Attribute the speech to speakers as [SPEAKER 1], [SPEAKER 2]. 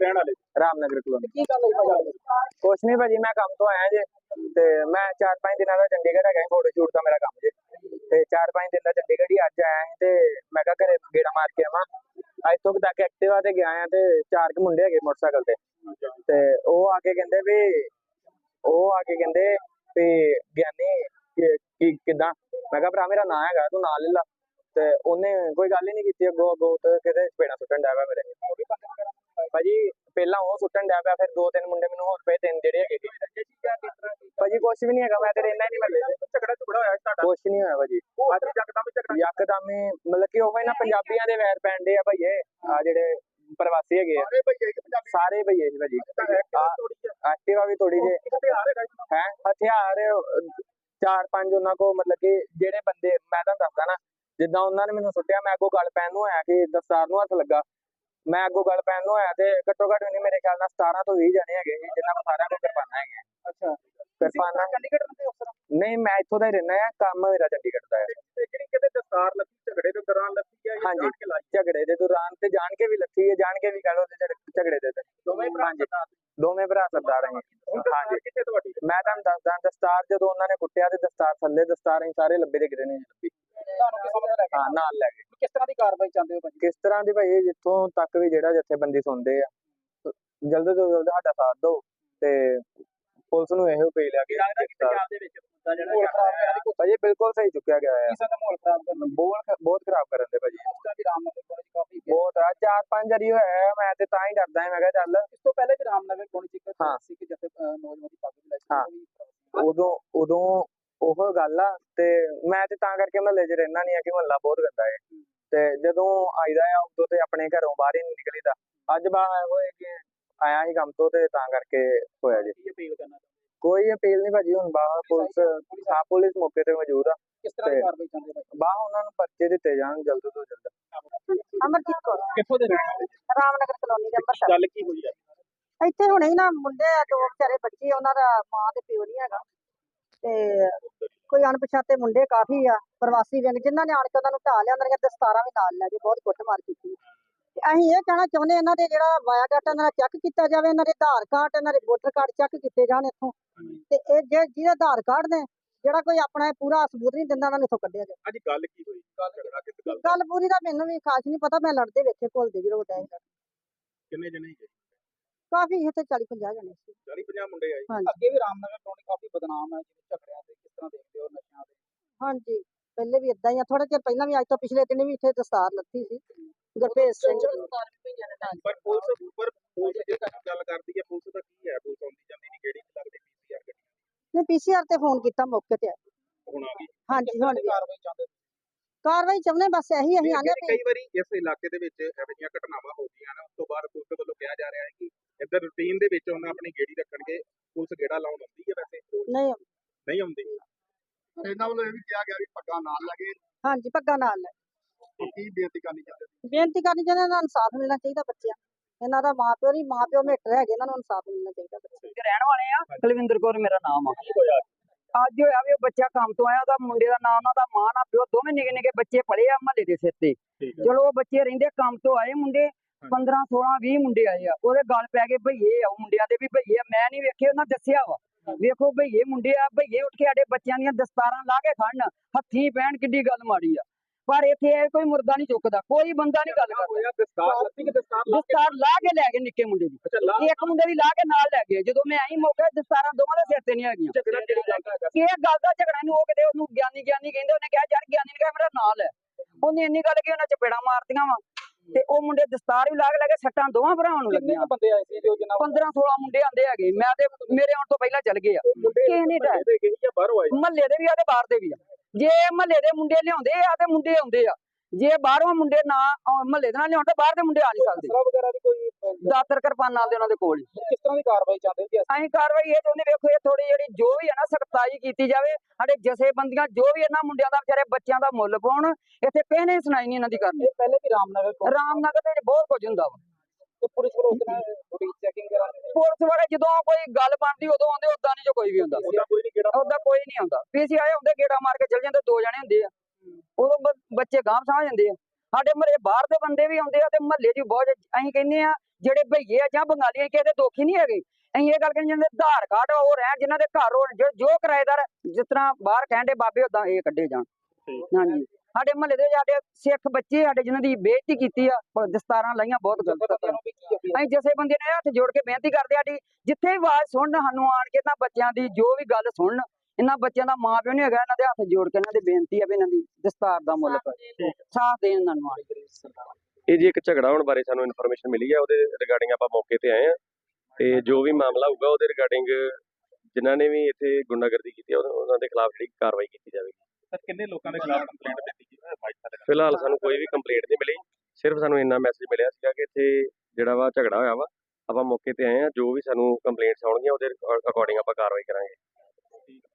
[SPEAKER 1] रहने वाले?
[SPEAKER 2] रामनगर कॉलोनी।
[SPEAKER 1] की गल होई भाई?
[SPEAKER 2] कुछ नहीं भाजी, मैं काम तो आया जे ते मैं 4-5 दिन का चंडीगढ़ है, फोटो शूट का मेरा काम जे ते 4-5 दिन का चंडीगढ़ ही अज आया ते मैं कहा घरे गेड़ा मार के आवां। अज तक तक एक्टिवा ते गया आ ते 4 के मुंडे है मोटरसाइकिल ते ਉਹ आके कहंदे भी ज्ञानी किदा। मैं कहा भरा मेरा नाम है, तू ना ले ला। ਤੇ ਉਹਨੇ ਕੋਈ ਗੱਲ ਹੀ ਨਹੀਂ ਕੀਤੀ ਅੱਗੋਂ ਤੇ ਕਿਤੇ ਚਪੇੜਾ ਸੁੱਟਣ ਡਿਆ ਪਿਆ ਮੇਰੇ ਭਾਜੀ। ਪਹਿਲਾਂ ਉਹ ਸੁੱਟਣ ਡਿਆ ਪਿਆ, ਫਿਰ 2-3 ਮੁੰਡੇ ਮੈਨੂੰ ਹੋਰ ਪਏ, 3 ਜਿਹੜੇ ਹੈਗੇ ਭਾਜੀ। ਕੁਛ ਵੀ ਨਹੀਂ ਹੈਗਾ, ਮੈਂ ਤੇ ਰਹਿਣਾ ਹੀ ਨਹੀਂ ਮੱਲੇ ਚ।
[SPEAKER 1] ਝਗੜਾ ਹੋਇਆ ਤੁਹਾਡਾ?
[SPEAKER 2] ਕੁਛ ਨਹੀਂ ਹੋਇਆ ਭਾਜੀ।
[SPEAKER 1] ਅੱਜ ਯਕਦਮ
[SPEAKER 2] ਮਤਲਬ ਕਿ ਉਹ ਨਾ ਪੰਜਾਬੀਆਂ ਦੇ ਵੈਰ ਪੈਂਦੇ ਆ ਭਈਏ, ਆ ਜਿਹੜੇ ਪ੍ਰਵਾਸੀ ਹੈਗੇ ਆ ਸਾਰੇ ਭਈਏ ਜੀ ਭਾਜੀ। ਐਕਟਿਵਾ ਵੀ ਤੋੜੀ ਜੇ ਹੈ, ਹਥਿਆਰ 4-5 ਉਹਨਾਂ ਕੋ। ਮਤਲਬ ਕਿ ਜਿਹੜੇ ਬੰਦੇ ਮੈਂ ਤੁਹਾਨੂੰ ਦੱਸਦਾ ਨਾ, ਜਿੱਦਾਂ ਉਹਨਾਂ ਨੇ ਮੈਨੂੰ ਸੁੱਟਿਆ, ਮੈਂ ਅੱਗੋਂ ਗੱਲ ਪੈਣ ਨੂੰ ਆਇਆ ਕਿ ਦਸਤਾਰ ਨੂੰ ਹੱਥ ਲੱਗਾ। ਮੈਂ ਅੱਗੋਂ ਗੱਲ ਪੈਣ ਨੂੰ ਆਇਆ ਤੇ ਘੱਟੋ ਘੱਟ ਨਹੀਂ ਮੇਰੇ ਖਿਆਲ ਨਾਲ 17 ਤੋਂ 20 ਜਣੇ ਹੈਗੇ ਸੀ, ਜਿਨ੍ਹਾਂ ਨੂੰ ਸਾਰਿਆਂ ਨੂੰ ਕਿਰਪਾਨਾਂ ਹੈਗੀਆਂ।
[SPEAKER 1] ਅੱਛਾ,
[SPEAKER 2] ਕਿਰਪਾਨਾਂ
[SPEAKER 1] ਚੰਡੀਗੜ੍ਹ ਦੇ ਅਫਸਰ?
[SPEAKER 2] ਨਹੀਂ, ਮੈਂ ਇੱਥੋਂ ਦਾ ਹੀ ਰਹਿਣਾ ਆ, ਕੰਮ ਮੇਰਾ ਚੰਡੀਗੜ੍ਹ ਦਾ ਹੈ।
[SPEAKER 1] ਜਿਹੜੀ ਕਿਤੇ ਦਸਤਾਰ ਲੱਗੀ ਝਗੜੇ ਦੇ ਦੌਰਾਨ ਲੱਗੀ ਹੈ?
[SPEAKER 2] ਹਾਂਜੀ, ਝਗੜੇ ਦੇ ਦੌਰਾਨ ਤੇ ਜਾਣ ਕੇ ਵੀ ਲੱਥੀ ਹੈ, ਜਾਣ ਕੇ ਵੀ ਕਹ ਲੋ ਝਗੜੇ ਦੇ ਤੇ ਦੋਵੇਂ ਭਰਾ ਸਰਦਾਰ ਹੈ। ਹਾਂਜੀ,
[SPEAKER 1] ਕਿੱਥੇ ਤੁਹਾਡੀ?
[SPEAKER 2] ਮੈਂ ਤੁਹਾਨੂੰ ਦੱਸਦਾ, ਦਸਤਾਰ ਜਦੋਂ ਉਹਨਾਂ ਨੇ ਕੁੱਟਿਆ ਤੇ ਦਸਤਾਰ ਥੱਲੇ, ਦਸਤਾਰ ਅਸੀਂ ਸਾਰੇ ਲੱਭੇ ਦੇ ਗਿਰੇ ਨੇ ਲੱਭੀ।
[SPEAKER 1] ਤੁਹਾਨੂੰ ਕੀ ਸਮਝ ਲੱਗ
[SPEAKER 2] ਹਾਂ, ਨਾਲ ਲੈ ਗਏ।
[SPEAKER 1] ਕਿਸ ਤਰ੍ਹਾਂ ਦੀ ਕਾਰਵਾਈ ਚਾਹੁੰਦੇ ਹੋ ਭਾਜੀ?
[SPEAKER 2] ਕਿਸ ਤਰ੍ਹਾਂ ਦੀ ਭਾਈ, ਜਿੱਥੋਂ ਤੱਕ ਵੀ ਜਿਹੜਾ ਜਥੇਬੰਦੀ ਸੁਣਦੇ ਆ, ਜਲਦ ਤੋਂ ਜਲਦ ਸਾਡਾ ਸਾਥ ਦਿਓ ਤੇ ਪੁਲਿਸ ਨੂੰ ਇਹੋ ਅਪੀਲ ਆ ਕਿ
[SPEAKER 1] ਪੰਜਾਬ ਦੇ ਵਿੱਚ ਮੁੱਦਾ ਜਿਹੜਾ
[SPEAKER 2] ਭਾਜੀ ਬਿਲਕੁਲ ਸਹੀ ਚੁੱਕਿਆ ਗਿਆ ਹੈ।
[SPEAKER 1] ਕਿਸੇ ਦਾ ਮਾਹੌਲ ਖਰਾਬ ਕਰਨਾ,
[SPEAKER 2] ਬਹੁਤ ਖਰਾਬ ਕਰਨ ਦੇ ਭਾਜੀ।
[SPEAKER 1] ਉਸ ਤਰ੍ਹਾਂ ਦੀ ਰਾਮਨਗਰ ਕਾਲਜ ਕਾਫੀ
[SPEAKER 2] ਬਹੁਤ ਆ, 4-5 ਵਾਰੀ ਹੋਇਆ। ਮੈਂ ਤੇ ਤਾਂ ਹੀ ਡਰਦਾ ਮੈਂ ਕਿਹਾ ਚੱਲ।
[SPEAKER 1] ਇਸ ਤੋਂ ਪਹਿਲੇ ਵੀ ਰਾਮਨਗਰ ਕਾਲਜ ਇੱਕ
[SPEAKER 2] ਹਾਂ
[SPEAKER 1] ਸੀ ਕਿ ਜਿੱਥੇ ਨੌਜਵਾਨ ਦੀ ਪੱਗ ਵੀ
[SPEAKER 2] ਹਾਂ,
[SPEAKER 1] ਲੱਗੀ
[SPEAKER 2] ਉਦੋਂ ਉਹ ਗੱਲ ਆ। ਤੇ ਮੈਂ ਤੇ ਤਾਂ ਕਰਕੇ ਮਹੱਲੇ 'ਚ ਰਹਿਣਾ ਨਹੀਂ ਆ ਕਿ ਮਹੱਲਾ ਬਹੁਤ ਗੰਦਾ ਹੈ। ਤੇ ਜਦੋਂ ਆਈਦਾ ਆ ਉਦੋਂ ਤੇ ਆਪਣੇ ਘਰੋਂ ਬਾਹਰ ਹੀ ਨਹੀਂ ਨਿਕਲੀਦਾ। ਅੱਜ ਬਾਹਰ ਹੋਏ ਕਿ ਆਇਆ ਹੀ ਕੰਮ ਤੋਂ ਤੇ ਤਾਂ ਕਰਕੇ ਹੋਇਆ ਜੀ।
[SPEAKER 1] ਅਪੀਲ ਕਰਨਾ
[SPEAKER 2] ਕੋਈ ਅਪੀਲ ਨਹੀਂ ਭਾਜੀ, ਹੁਣ ਬਾਹਰ ਪੁਲਿਸ ਮੌਕੇ ਤੇ ਮੌਜੂਦ ਆ।
[SPEAKER 1] ਕਿਸ ਤਰ੍ਹਾਂ ਦੀ ਕਾਰਵਾਈ ਚਾਹੁੰਦੇ ਭਾਈ?
[SPEAKER 2] ਬਾਹਰ ਉਹਨਾਂ ਨੂੰ ਪਰਚੇ ਦਿੱਤੇ ਜਾਣ ਜਲਦ ਤੋਂ ਜਲਦ।
[SPEAKER 3] ਅਮਰਜੀਤ ਕੌਰ,
[SPEAKER 1] ਕਿੱਥੋਂ ਦੇ ਰਹਿਣ ਵਾਲੇ?
[SPEAKER 3] ਰਾਮਨਗਰ ਕਲੋਨੀ ਦੇ ਅੰਮ੍ਰਿਤਸਰ।
[SPEAKER 1] ਗੱਲ ਕੀ ਹੋਈ ਹੈ?
[SPEAKER 3] ਇੱਥੇ ਹੁਣੇ ਹੀ ਨਾ ਮੁੰਡੇ ਆ, 2 ਵਿਚਾਰੇ ਬੱਚੇ, ਉਹਨਾਂ ਦਾ ਮਾਂ ਤੇ ਪਿਓ ਨਹੀਂ ਹੈਗਾ ਤੇ ਕੋਈ ਅਣਪਛਾਤੇ ਮੁੰਡੇ ਕਾਫੀ ਆ, ਪ੍ਰਵਾਸੀ ਵਿਅੰਗ, ਜਿਨ੍ਹਾਂ ਨੇ ਆਣ ਕੇ ਉਹਨਾਂ ਨੂੰ ਢਾਹ ਲਿਆ। ਉਹਨਾਂ ਦੀਆਂ ਦਸਤਾਰਾਂ ਵੀ ਨਾਲ ਲੈ ਕੇ ਬਹੁਤ ਕੁੱਟਮਾਰ ਕੀਤੀ। ਅਸੀਂ ਇਹ ਕਹਿਣਾ ਚਾਹੁੰਦੇ, ਇਹਨਾਂ ਦੇ ਜਿਹੜਾ ਬਾਇਓਡਾਟਾ ਇਹਨਾਂ ਦਾ ਚੈੱਕ ਕੀਤਾ ਜਾਵੇ, ਇਹਨਾਂ ਦੇ ਆਧਾਰ ਕਾਰਡ, ਇਹਨਾਂ ਦੇ ਵੋਟਰ ਕਾਰਡ ਚੈੱਕ ਕੀਤੇ ਜਾਣ ਇੱਥੋਂ। ਤੇ ਇਹ ਜਿਹਦੇ ਆਧਾਰ ਕਾਰਡ ਨੇ, ਜਿਹੜਾ ਕੋਈ ਆਪਣਾ ਪੂਰਾ ਸਬੂਤ ਨਹੀਂ ਦਿੰਦਾ, ਉਹਨਾਂ ਨੂੰ ਇੱਥੋਂ ਕੱਢਿਆ ਜਾਵੇ।
[SPEAKER 1] ਅੱਜ ਗੱਲ ਕੀ ਹੋਈ? ਝਗੜਾ ਕਿਸ ਗੱਲ?
[SPEAKER 3] ਗੱਲ ਪੂਰੀ ਦਾ ਮੈਨੂੰ ਵੀ ਖਾਸ ਨਹੀਂ ਪਤਾ, ਮੈਂ ਲੜਦੇ ਵੇਖੇ ਘੁਲਦੇ ਜਦੋਂ ਵੱਡਾ
[SPEAKER 1] ਕਿੰਨੇ ਜਣੇ ਹੈਗੇ?
[SPEAKER 3] ਕਾਫੀ ਇੱਥੇ 40-50 ਜਣੇ ਸੀ।
[SPEAKER 1] 40-50 ਮੁੰਡੇ ਆਏ।
[SPEAKER 3] ਹਾਂਜੀ।
[SPEAKER 1] ਅੱਗੇ ਵੀ ਰਾਮਨਗਰ ਕਾਲਜ ਕਾਫੀ ਬਦਨਾਮ ਹੈ ਜਿਵੇਂ ਝਗੜਿਆਂ ਤੇ, ਕਿਸ ਤਰ੍ਹਾਂ ਦੇਖਦੇ ਹੋ ਨਸ਼ਿਆਂ ਤੇ?
[SPEAKER 3] ਹਾਂਜੀ, ਪਹਿਲੇ ਵੀ ਇਦਾਂ ਹੀ ਆ। ਥੋੜਾ ਚਿਰ ਪਹਿਲਾਂ ਵੀ, ਅੱਜ ਤੋਂ ਪਿਛਲੇ ਦਿਨ ਵੀ ਇੱਥੇ ਦਸਤਾਰ ਲੱਥੀ ਸੀ ਗੁਰਭੇਜ ਸਿੰਘ।
[SPEAKER 1] ਪਰ ਪੁਲਿਸ ਜੇ ਗੱਲ ਕਰਦੀ ਹੈ, ਪੁਲਿਸ ਦਾ ਕੀ ਹੈ? ਪੁਲਿਸ ਆਉਂਦੀ ਜਾਂਦੀ ਨਹੀਂ, ਕਿਹੜੀ ਲੱਗਦੀ ਪੀਸੀਆਰ ਗੱਡੀ
[SPEAKER 3] ਨੇ ਪੀਸੀਆਰ ਤੇ ਫੋਨ ਕੀਤਾ, ਮੌਕੇ ਤੇ ਆਏ।
[SPEAKER 1] ਹੁਣ ਆ ਗਈ?
[SPEAKER 3] ਹਾਂਜੀ, ਹੁਣ ਵੀ
[SPEAKER 1] ਕਾਰਵਾਈ ਚਾਹੁੰਦੇ?
[SPEAKER 3] ਕਾਰਵਾਈ ਚਾਹੁੰਦੇ, ਬਸ ਇਹੀ ਅਸੀਂ ਆਨੇ ਵੀ।
[SPEAKER 1] ਕਈ ਵਾਰੀ ਇਸ ਇਲਾਕੇ ਦੇ ਵਿੱਚ ਇਹੋ ਜਿਹੀਆਂ ਘਟਨਾਵਾਂ ਹੋ ਗਈਆਂ ਨੇ, ਉਸ ਤੋਂ ਬਾਅਦ ਪੁਲਿਸ ਵੱਲੋਂ ਕਿਹਾ ਜਾ ਰਿਹਾ ਹੈ ਕਿ ਇੱਧਰ ਰੂਟੀਨ ਦੇ ਵਿੱਚ ਉਹਨਾਂ ਆਪਣੀ ਗੇੜੀ ਰੱਖਣਗੇ। ਪੁਲਿਸ ਗੇੜਾ ਲਾਉਣ ਆਉਂਦੀ ਹੈ ਵੈਸੇ? ਨਹੀਂ ਆਉਂਦੀ। ਇਹਨਾਂ ਵੱਲੋਂ ਇਹ ਵੀ ਕਿਹਾ ਗਿਆ ਵੀ ਪੱਗਾਂ ਨਾਲ ਲੱਗੇ।
[SPEAKER 3] ਹਾਂਜੀ, ਪੱਗਾਂ ਨਾਲ ਲੈ।
[SPEAKER 1] ਕੀ ਬੇਨਤੀ ਕਰਨੀ ਚਾਹੁੰਦੇ?
[SPEAKER 3] ਬੇਨਤੀ ਕਰਨੀ ਚਾਹੁੰਦੇ, ਇਹਨਾਂ ਨੂੰ ਇਨਸਾਫ ਮਿਲਣਾ ਚਾਹੀਦਾ ਬੱਚਿਆਂ। ਇਹਨਾਂ ਦਾ ਮਾਪਿਓ ਨਹੀਂ, ਮਾਪਿਓ ਮੇਟਰ ਹੈਗੇ, ਇਹਨਾਂ ਨੂੰ ਇਨਸਾਫ ਮਿਲਣਾ ਚਾਹੀਦਾ ਬੱਚੇ
[SPEAKER 4] ਦੇ ਰਹਿਣ ਵਾਲੇ ਆ। ਕੁਲਵਿੰਦਰ ਕੌਰ ਮੇਰਾ ਨਾਮ ਆ। ਅੱਜ ਹੋਇਆ ਵੀ ਉਹ ਬੱਚਾ ਕੰਮ ਤੋਂ ਆਇਆ, ਉਹਦਾ ਮੁੰਡੇ ਦਾ ਨਾਮ, ਉਹਨਾਂ ਦਾ ਮਾਂ ਨਾ ਪਿਓ, ਦੋਵੇਂ ਨਿੱਕੇ ਨਿੱਕੇ ਬੱਚੇ ਪਲੇ ਆ ਮਹੱਲੇ ਦੇ ਸਿਰ ਤੇ। ਚਲੋ ਉਹ ਬੱਚੇ ਰਹਿੰਦੇ, ਕੰਮ ਤੋਂ ਆਏ ਮੁੰਡੇ 15, 16, 20 ਮੁੰਡੇ ਆਏ ਆ, ਉਹਦੇ ਗੱਲ ਪੈ ਗਏ ਭਈਏ ਆ। ਉਹ ਮੁੰਡਿਆਂ ਦੇ ਵੀ ਭਈਏ ਆ, ਮੈਂ ਨਹੀਂ ਵੇਖੇ, ਉਹਨਾਂ ਦੱਸਿਆ ਵਾ। ਵੇਖੋ ਭਈਏ ਮੁੰਡੇ ਆ, ਭਈਏ ਉੱਠ ਕੇ ਸਾਡੇ ਬੱਚਿਆਂ ਦੀਆਂ ਦਸਤਾਰਾਂ ਲਾ ਕੇ ਖੜਨ, ਹੱਥੀਂ ਪੈਣ, ਕਿੱਡੀ ਗੱਲ ਮਾੜੀ ਆ। ਪਰ ਇੱਥੇ ਇਹ ਕੋਈ ਮੁਰਦਾ ਨਹੀਂ ਚੁੱਕਦਾ, ਕੋਈ ਬੰਦਾ ਨਹੀਂ ਗੱਲ ਕਰਦਾ। ਦਸਤਾਰ ਲਾ ਕੇ ਲੈ ਗਏ ਨਿੱਕੇ ਮੁੰਡੇ ਦੀ, ਇੱਕ ਮੁੰਡੇ ਦੀ ਲਾ ਕੇ ਨਾਲ ਲੈ ਗਏ। ਜਦੋਂ ਮੈਂ ਆਈ ਮੌਕੇ, ਦਸਤਾਰਾਂ ਦੋਵਾਂ ਦੇ ਸਿਰ ਤੇ ਨਹੀਂ ਹੈਗੀਆਂ। ਇਹ ਗੱਲ ਦਾ ਝਗੜਾ ਨੂੰ, ਉਹ ਕਿਤੇ ਉਹਨੂੰ ਗਿਆਨੀ ਕਹਿੰਦੇ, ਉਹਨੇ ਕਿਹਾ ਯਾਰ ਗਿਆਨੀ ਨੇ ਕਿਹਾ ਮੇਰਾ ਨਾਲ ਹੈ। ਉਹਨੇ ਇੰਨੀ ਗੱਲ ਕਿ ਉਹਨਾਂ ਚਪੇੜਾ ਮਾਰਤੀਆਂ ਵਾ ਤੇ ਉਹ ਮੁੰਡੇ ਦਸਤਾਰ ਵੀ ਲਾ ਕੇ ਲੈ ਕੇ, ਸੱਟਾਂ ਦੋਵਾਂ ਭਰਾਵਾਂ ਨੂੰ ਲੱਗੀਆਂ। 15, 16 ਮੁੰਡੇ ਆਂਦੇ ਹੈਗੇ, ਮੈਂ ਤੇ ਮੇਰੇ ਆਉਣ ਤੋਂ ਪਹਿਲਾਂ ਚੱਲ ਗਏ ਆ। ਕਿਸੇ ਨੇ ਮਹੱਲੇ ਦੇ ਵੀ ਆ ਤੇ ਬਾਹਰ ਦੇ ਵੀ ਆ। ਜੇ ਮਹੱਲੇ ਦੇ ਮੁੰਡੇ ਲਿਆਉਂਦੇ ਆ ਤੇ ਮੁੰਡੇ ਆਉਂਦੇ ਆ, ਜੇ ਬਾਹਰੋਂ ਮੁੰਡੇ ਨਾ ਮਹੱਲੇ ਦੇ ਨਾਲ ਲਿਆਉਣ ਤਾਂ ਬਾਹਰ ਦੇ ਮੁੰਡੇ ਆ ਨਹੀਂ ਸਕਦੇ। ਦਾਤਰ ਕਿਰਪਾਨਾਂ ਦੇ ਉਹਨਾਂ ਦੇ ਕੋਲ।
[SPEAKER 1] ਕਿਸ ਤਰ੍ਹਾਂ ਦੀ ਕਾਰਵਾਈ ਚਾਹੁੰਦੇ ਜੀ?
[SPEAKER 4] ਅਸੀਂ ਕਾਰਵਾਈ ਇਹ ਚਾਹੁੰਦੇ, ਵੇਖੋ ਇਹ ਥੋੜੀ ਜਿਹੜੀ ਜੋ ਵੀ ਹੈ ਨਾ ਸਖਤਾਈ ਕੀਤੀ ਜਾਵੇ। ਸਾਡੇ ਜਥੇਬੰਦੀਆਂ ਜੋ ਵੀ ਇਹਨਾਂ ਮੁੰਡਿਆਂ ਦਾ ਵਿਚਾਰੇ ਬੱਚਿਆਂ ਦਾ ਮੁੱਲ ਪਾਉਣ। ਇੱਥੇ ਕਿਸੇ ਨੇ ਸੁਣਾਈ ਨਹੀਂ ਇਹਨਾਂ ਦੀ ਕਰਨੀ।
[SPEAKER 1] ਪਹਿਲੇ ਵੀ ਰਾਮਨਗਰ
[SPEAKER 4] ਦੇ ਵਿੱਚ ਬਹੁਤ ਕੁਝ ਹੁੰਦਾ ਵਾ।
[SPEAKER 1] ਪੁਲਿਸ ਵੱਲੋਂ ਚੈਕਿੰਗ ਕਰਾਂਗੇ।
[SPEAKER 4] ਪੁਲਿਸ ਵਾਲੇ ਜਦੋਂ ਕੋਈ ਗੱਲ ਬਣਦੀ ਉਦੋਂ ਆਉਂਦੇ, ਉਦਾਂ ਨਹੀਂ ਜੋ ਕੋਈ ਵੀ ਹੁੰਦਾ। ਉਦਾਂ ਕੋਈ ਨਹੀਂ ਆਉਂਦਾ। ਪੀਸੀਆਰ ਹੁੰਦੇ ਗੇੜਾ ਮਾਰ ਕੇ ਚਲ ਜਾਂਦੇ, 2 ਜਣੇ ਹੁੰਦੇ ਆ, ਉਦੋਂ ਬੱਚੇ ਗਾਂਹ ਸਮਝ ਜਾਂਦੇ ਆ। ਸਾਡੇ ਮਹੱਲੇ ਬਾਹਰ ਦੇ ਬੰਦੇ ਵੀ ਆਉਂਦੇ ਆ ਤੇ ਮਹੱਲੇ 'ਚ ਬਹੁਤ ਅਸੀਂ ਕਹਿੰਦੇ ਆ ਜਿਹੜੇ ਭਈਏ ਆ ਜਾਂ ਬੰਗਾਲੀ ਕਿਸੇ ਦੇ ਦੋਖੀ ਨਹੀਂ ਹੈਗੇ। ਅਸੀਂ ਇਹ ਗੱਲ ਕਹਿੰਦੇ ਜਿਹਨਾਂ ਦੇ ਆਧਾਰ ਕਾਰਡ ਉਹ ਰਹਿਣ, ਜਿਨ੍ਹਾਂ ਦੇ ਘਰ ਹੋਣ, ਜੋ ਕਿਰਾਏਦਾਰ ਜਿਸ ਤਰ੍ਹਾਂ ਬਾਹਰ ਕਹਿੰਦੇ ਬਾਬੇ ਉਦਾਂ ਇਹ ਕੱਢੇ ਜਾਣ। ਹਾਂਜੀ ਸਾਡੇ ਮਹੱਲੇ ਦੇ ਸਾਡੇ ਸਿੱਖ ਬੱਚੇ ਸਾਡੇ ਜਿਨ੍ਹਾਂ ਦੀ ਬੇਇੱਜ਼ਤੀ ਕੀਤੀ ਆ, ਦਸਤਾਰਾਂ ਲਾਈਆਂ, ਬਹੁਤ ਗਲਤ। ਅਸੀਂ ਜਿਸੇ ਬੰਦੇ ਨੇ ਹੱਥ ਜੋੜ ਕੇ ਬੇਨਤੀ ਕਰਦੇ ਆ, ਜਿੱਥੇ ਵੀ ਆਵਾਜ਼ ਸੁਣਨ ਸਾਨੂੰ ਆਣ ਕੇ ਇਹਨਾਂ ਬੱਚਿਆਂ ਦੀ ਜੋ ਵੀ ਗੱਲ ਸੁਣਨ, ਇਹਨਾਂ ਬੱਚਿਆਂ ਦਾ ਮਾਂ ਪਿਓ ਨਹੀਂ ਹੈਗਾ, ਇਹਨਾਂ ਦੇ ਹੱਥ ਜੋੜ ਕੇ ਇਹਨਾਂ ਦੀ ਬੇਨਤੀ ਆ ਵੀ ਇਹਨਾਂ ਦੀ ਦਸਤਾਰ ਦਾ ਮੁੱਲ ਸਾਥ ਦੇਣ ਇਹਨਾਂ ਨੂੰ ਆਣ ਕੇ।
[SPEAKER 5] ਇਹ ਜੀ ਇੱਕ ਝਗੜਾ ਹੋਣ ਬਾਰੇ ਸਾਨੂੰ ਇਨਫੋਰਮੇਸ਼ਨ ਮਿਲੀ ਹੈ, ਉਹਦੇ ਰਿਗਾਰਡਿੰਗ ਆਪਾਂ ਮੌਕੇ ਤੇ ਆਏ ਆ ਤੇ ਜੋ ਵੀ ਮਾਮਲਾ ਹੋਊਗਾ ਉਹਦੇ ਰਿਗਾਰਡਿੰਗ ਜਿਨ੍ਹਾਂ ਨੇ ਵੀ ਇੱਥੇ ਗੁੰਡਾਗਰਦੀ ਕੀਤੀ ਉਹਨਾਂ ਦੇ ਖਿਲਾਫ ਜਿਹੜੀ ਕਾਰਵਾਈ ਕੀਤੀ ਜਾਵੇਗੀ।
[SPEAKER 1] ਸਰ ਕਿੰਨੇ ਲੋਕਾਂ ਦੇ ਖਿਲਾਫ ਕੰਪਲੇਂਟ ਦਿੱਤੀ ਗਈ?
[SPEAKER 5] ਫਿਲਹਾਲ ਸਾਨੂੰ ਕੋਈ ਵੀ ਕੰਪਲੇਂਟ ਨਹੀਂ ਮਿਲੀ, ਸਿਰਫ ਸਾਨੂੰ ਇੰਨਾ ਮੈਸੇਜ ਮਿਲਿਆ ਸੀਗਾ ਕਿ ਇੱਥੇ ਜਿਹੜਾ ਵਾ ਝਗੜਾ ਹੋਇਆ ਵਾ, ਆਪਾਂ ਮੌਕੇ ਤੇ ਆਏ ਆ, ਜੋ ਵੀ ਸਾਨੂੰ ਕੰਪਲੇਂਟਸ ਆਉਣਗੀਆਂ ਉਹਦੇ ਅਕੋਰਡਿੰਗ ਆਪਾਂ ਕਾਰਵਾਈ ਕਰਾਂਗੇ।